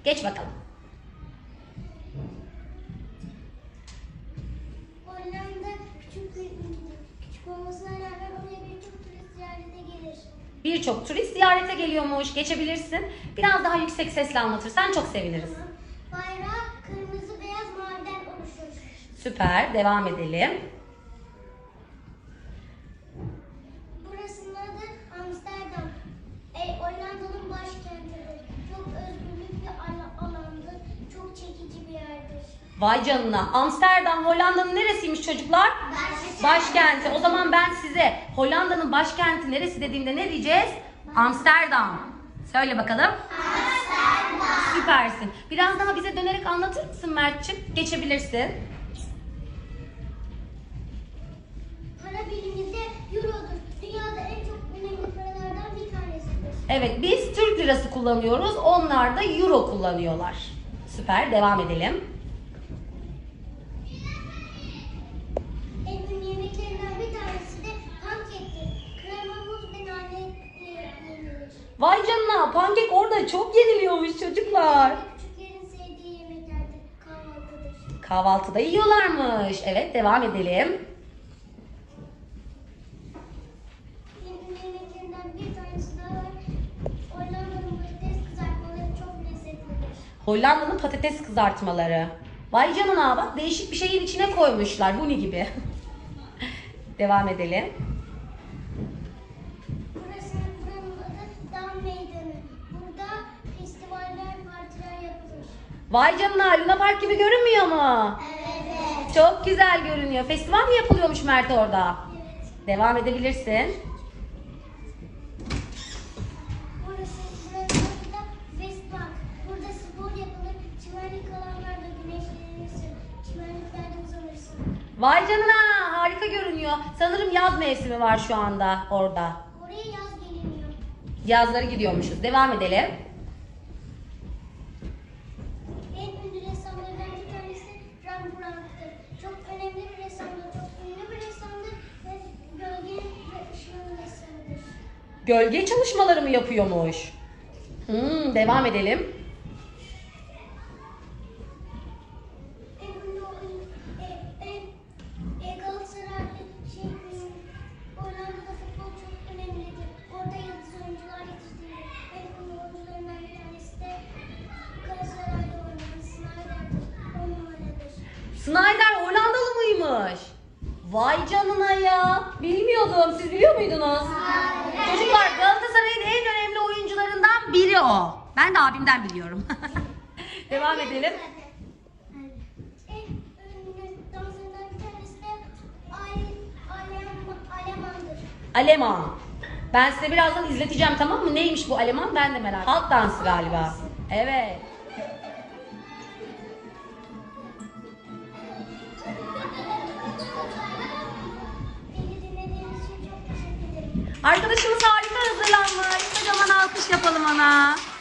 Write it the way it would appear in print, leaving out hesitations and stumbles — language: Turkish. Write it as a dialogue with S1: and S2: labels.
S1: Geç bakalım.
S2: Hollanda küçük olmasına rağmen oraya birçok turist ziyarete gelir.
S1: Birçok turist ziyarete geliyormuş. Geçebilirsin. Biraz daha yüksek sesle anlatırsan çok seviniriz.
S2: Bayrağı kırmızı, beyaz, maviden oluşur.
S1: Süper. Devam edelim.
S2: Burasının adı Amsterdam. Hollanda'nın başkentidir. Çok özgürlük bir alandır. Çok çekici bir yerdir.
S1: Vay canına. Amsterdam Hollanda'nın neresiymiş çocuklar? Başkenti. O zaman ben size Hollanda'nın başkenti neresi dediğimde ne diyeceğiz? Amsterdam. Söyle bakalım. Amsterdam. Süpersin. Biraz daha bize dönerek anlatır mısın Mert'ciğim? Geçebilirsin.
S2: Para birimi de Euro'dur. Dünyada en çok önemli paralardan bir tanesidir.
S1: Evet, biz Türk lirası kullanıyoruz. Onlar da euro kullanıyorlar. Süper. Devam edelim.
S2: En ünlü yemeklerinden bir tanesi de pankektir. Krema, muz ve nane yenilir.
S1: Vay canına. Pankek orada çok yeniliyormuş çocuklar.
S2: Küçüklerin sevdiği yemeklerdir. Kahvaltıdır.
S1: Kahvaltıda yiyorlarmış. Evet, devam edelim.
S2: En ünlü yemeklerinden bir tanesi daha var. Hollanda'nın patates kızartmaları çok lezzetlidir.
S1: Hollanda'nın patates kızartmaları. Vay canına bak, değişik bir şeyin içine koymuşlar. Huni gibi. Devam edelim.
S2: Buranın adı Dam Meydanı. Burada festivaller, partiler yapılır.
S1: Vay canına, Luna Park gibi görünmüyor mu?
S2: Evet.
S1: Çok güzel görünüyor. Festival mi yapılıyormuş Mert orada?
S2: Evet.
S1: Devam edebilirsin.
S2: Buranın adı da Westbank. Burada spor yapılır. Çimenlik alanlarda güneşlenirsin. Çimenliklerde uzanırsın.
S1: Vay canına, harika görünüyor. Sanırım yaz mevsimi var şu anda orada.
S2: Oraya yaz geliniyor.
S1: Yazları gidiyormuşuz. Devam edelim.
S2: En ünlü ressamlardan bir tanesi Rembrandt'tır. Çok önemli bir ressamdır. Çok ünlü bir ressamdır ve gölgenin ve ışığın ressamıdır.
S1: Gölge çalışmaları mı yapıyormuş? Devam edelim.
S2: En ünlü Galatasaraylı Hollanda'da futbol çok önemlidir. Orada yıldız oyuncular yetiştirilir. En ünlü oyuncularından bir tanesi de Galatasaray'da oynayan Snyder'dir. 10 numaradır.
S1: Snyder Hollandalı mıymış? Vay canına ya. Bilmiyordum. Siz biliyor muydunuz? Çocuklar, Galatasaray'ın en önemli oyuncularından biri o. Ben de abimden biliyorum. Devam edelim.
S2: En ünlü danslarından bir tanesi de Alemandır.
S1: Aleman. Ben size birazdan izleteceğim, tamam mı? Neymiş bu Aleman? Ben de merak ediyorum. Halk dansı galiba. Evet.
S2: Beni dinlediğiniz için çok teşekkür ederim.
S1: Arkadaşımız harika hazırlanmış. Kocaman alkış yapalım ona.